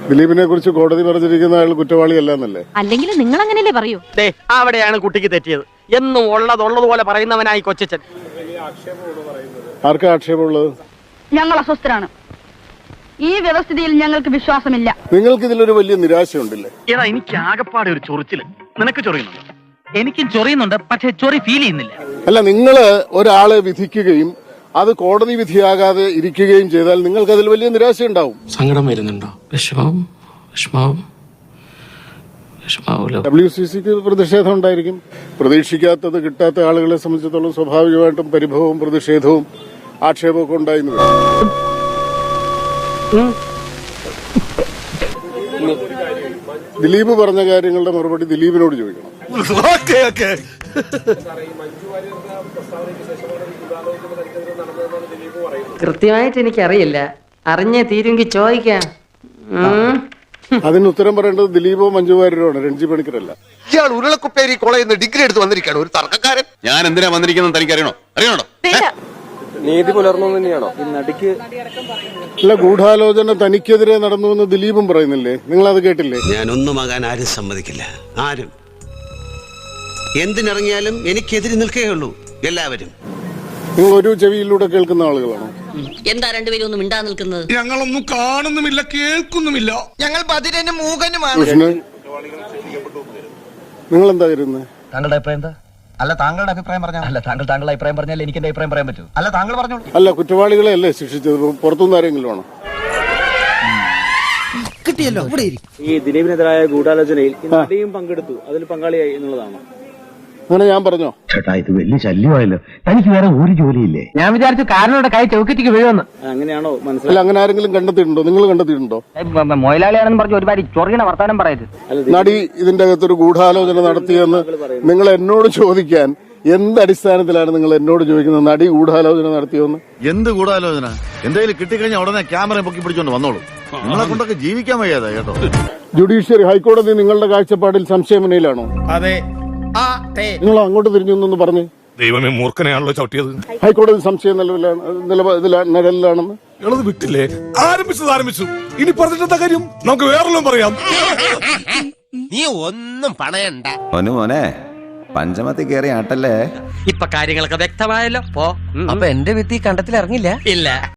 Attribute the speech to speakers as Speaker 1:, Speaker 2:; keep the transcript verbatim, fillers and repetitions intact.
Speaker 1: ദിലീപിനെ കുറിച്ച് കോടതി പറഞ്ഞിരിക്കുന്ന ആൾ കുറ്റവാളിയല്ല എന്നല്ലേ?
Speaker 2: അല്ലെങ്കിൽ നിങ്ങൾ അങ്ങനെയല്ലേ പറയൂ?
Speaker 3: അവിടെയാണ് കുട്ടിക്ക് തെറ്റിയത്. എന്നും ഉള്ളതുള്ളതുപോലെ പറയുന്നവനായി കൊച്ചച്ചൻ.
Speaker 1: ആർക്കാ ആക്ഷേപമുള്ളത്?
Speaker 4: ഞങ്ങൾ അസ്വസ്ഥരാണ്. ഈ വ്യവസ്ഥിതിയിൽ ഞങ്ങൾക്ക് വിശ്വാസമില്ല.
Speaker 1: നിങ്ങൾക്ക് ഇതിലൊരു വലിയ നിരാശയുണ്ടല്ലേ?
Speaker 5: ഏതാ എനിക്ക് ആകപ്പാടെ ഒരു ചൊറിച്ചില്. നിനക്ക് ചൊറിയുന്നുണ്ടോ? എനിക്കും ചൊറിയുന്നുണ്ട്, പക്ഷെ ചൊറി ഫീൽ ചെയ്യുന്നില്ല.
Speaker 1: അല്ല, നിങ്ങള് ഒരാളെ വിധിക്കുകയും അത് കോടതി വിധിയാകാതെ ഇരിക്കുകയും ചെയ്താൽ നിങ്ങൾക്ക് അതിൽ വലിയ നിരാശ ഉണ്ടാവും.
Speaker 6: സങ്കടം വരുന്നുണ്ടോ? വിഷമം വിഷമാവും വിഷമാവൂലോ?
Speaker 1: ഡബ്ല്യു സി സിക്ക് പ്രതിഷേധം ഉണ്ടായിരിക്കും. പ്രതീക്ഷിക്കാത്തത് കിട്ടാത്ത ആളുകളെ സംബന്ധിച്ചിടത്തോളം സ്വാഭാവികമായിട്ടും പരിഭവവും പ്രതിഷേധവും ആക്ഷേപവും ഒക്കെ ഉണ്ടായിരുന്നു. ദിലീപ് പറഞ്ഞ കാര്യങ്ങളുടെ മറുപടി ദിലീപിനോട് ചോദിക്കണം.
Speaker 7: കൃത്യമായിട്ട് എനിക്കറിയില്ല. അറിഞ്ഞേ തീരുമെങ്കിൽ ചോദിക്കാം.
Speaker 1: അതിന് ഉത്തരം പറയേണ്ടത് ദിലീപോ മഞ്ജു വാര്യരോ ആണ്, രഞ്ജി പണിക്കരല്ല.
Speaker 8: ഇയാൾ ഉരുളക്കുപ്പേരി കോളേജിൽ നിന്ന് ഡിഗ്രി എടുത്ത് വന്നിരിക്കുകയാണ്, ഒരു തർക്കക്കാരൻ. ഞാൻ എന്തിനാ വന്നിരിക്കുന്നത് തനിക്ക് അറിയണോ? അറിയണോ?
Speaker 9: നീതി പുലർന്നു തന്നെയാണോ ഈ നടിക്ക്?
Speaker 1: അല്ല, ഗൂഢാലോചന തനിക്കെതിരെ നടന്നുവെന്ന് ദിലീപും പറയുന്നില്ലേ? നിങ്ങൾ അത് കേട്ടില്ലേ?
Speaker 10: ഞാനൊന്നുമാകാൻ ആരും സമ്മതിക്കില്ല. ആരും എന്തിനിറങ്ങിയാലും എനിക്കെതിരെ നിൽക്കുകയുള്ളൂ എല്ലാവരും.
Speaker 1: നിങ്ങൾ ഒരു ചെവിയിലൂടെ കേൾക്കുന്ന ആളുകളാണോ?
Speaker 7: എന്താ രണ്ടുപേരും ഒന്നും മിണ്ടാ നിൽക്കുന്നത്?
Speaker 8: ഞങ്ങളൊന്നും കാണുന്നുമില്ല, കേൾക്കുന്നുമില്ല. ഞങ്ങൾ ബദിരനും മൂകനുമാണ്.
Speaker 1: കൃഷ്ണൻ, നിങ്ങൾ എന്താ കരുതുന്നത്?
Speaker 5: താങ്കളുടെ അഭിപ്രായം എന്താ?
Speaker 9: അല്ല, താങ്കളുടെ അഭിപ്രായം പറഞ്ഞാൽ
Speaker 5: അല്ല, താങ്കൾ താങ്കളുടെ അഭിപ്രായം പറഞ്ഞാൽ എനിക്ക് എന്റെ അഭിപ്രായം പറയാൻ പറ്റൂ.
Speaker 9: അല്ല, താങ്കൾ പറഞ്ഞോളൂ.
Speaker 1: അല്ല, കുറ്റവാളികളെ അല്ലേ ശിക്ഷിച്ചത്? പുറത്തുനിന്ന് ആരെങ്കിലും ആണോ?
Speaker 9: കിട്ടിയല്ലോ.
Speaker 5: ഈ ദിലീപിനെതിരായ ഗൂഢാലോചനയിൽ നടിയും പങ്കെടുത്തു, അതിൽ പങ്കാളിയായി എന്നുള്ളതാണ്.
Speaker 1: അങ്ങനെ ഞാൻ പറഞ്ഞോ?
Speaker 9: ചേട്ടാ, ഇത് വലിയ ശല്യമായല്ലോ. തനിക്ക് വേറെ ഒരു ജോലിയില്ലേ?
Speaker 7: ഞാൻ വിചാരിച്ചു കാരണോടെ കൈ ചൗക്കറ്റിക്ക് വീഴുമെന്ന്.
Speaker 5: അങ്ങനെയാണോ മനസ്സിലായി?
Speaker 1: അല്ല, അങ്ങനെ ആരെങ്കിലും കണ്ടെത്തിയിട്ടുണ്ടോ? നിങ്ങൾ കണ്ടെത്തിയിട്ടുണ്ടോ?
Speaker 7: മൊയിലാളിയാണെന്ന് പറഞ്ഞ് ഒരുപാട് ചൊറിയണ വർത്താനം പറയരുത്.
Speaker 1: നടി ഇതിന്റെ അകത്തൊരു ഗൂഢാലോചന നടത്തിയെന്ന് നിങ്ങൾ എന്നോട് ചോദിക്കാൻ എന്ത് അടിസ്ഥാനത്തിലാണ് നിങ്ങൾ എന്നോട് ചോദിക്കുന്നത്? നടി ഗൂഢാലോചന നടത്തിയോന്ന്?
Speaker 8: എന്ത് ഗൂഢാലോചന? എന്തെങ്കിലും കിട്ടിക്കഴിഞ്ഞാൽ ഉടനെ ക്യാമറ പൊക്കി പിടിച്ചോണ്ട് വന്നോളൂ. നിങ്ങളെ കൊണ്ടൊക്കെ ജീവിക്കാൻ വയ്യാതെ കേട്ടോ. ജുഡീഷ്യറി ഹൈക്കോടതി നിങ്ങളുടെ കാഴ്ചപ്പാടിൽ സംശയമുനയിലാണോ?
Speaker 9: അതെ.
Speaker 1: നിങ്ങൾ അങ്ങോട്ട് തിരിഞ്ഞൊന്നു പറഞ്ഞു.
Speaker 8: ദൈവമേ, മൂർഖനെയാണല്ലോ ചവിട്ടിയത്.
Speaker 1: ഹൈക്കോടതി സംശയം നിലവിലാണെന്ന്
Speaker 8: ഇളത് വിട്ടില്ലേ? ആരംഭിച്ചത് ആരംഭിച്ചു. ഇനി പറഞ്ഞിട്ടെന്താ കാര്യം? നമുക്ക് വേറെല്ലാം പറയാം.
Speaker 10: നീ ഒന്നും പണയണ്ട.
Speaker 9: മോനെ മോനെ പഞ്ചമത്തിൽ കയറി ആട്ടല്ലേ.
Speaker 3: ഇപ്പൊ കാര്യങ്ങളൊക്കെ വ്യക്തമായല്ലോ.
Speaker 7: അപ്പൊ എന്റെ വിത്തി കണ്ടത്തിൽ ഇറങ്ങില്ല.
Speaker 3: ഇല്ല.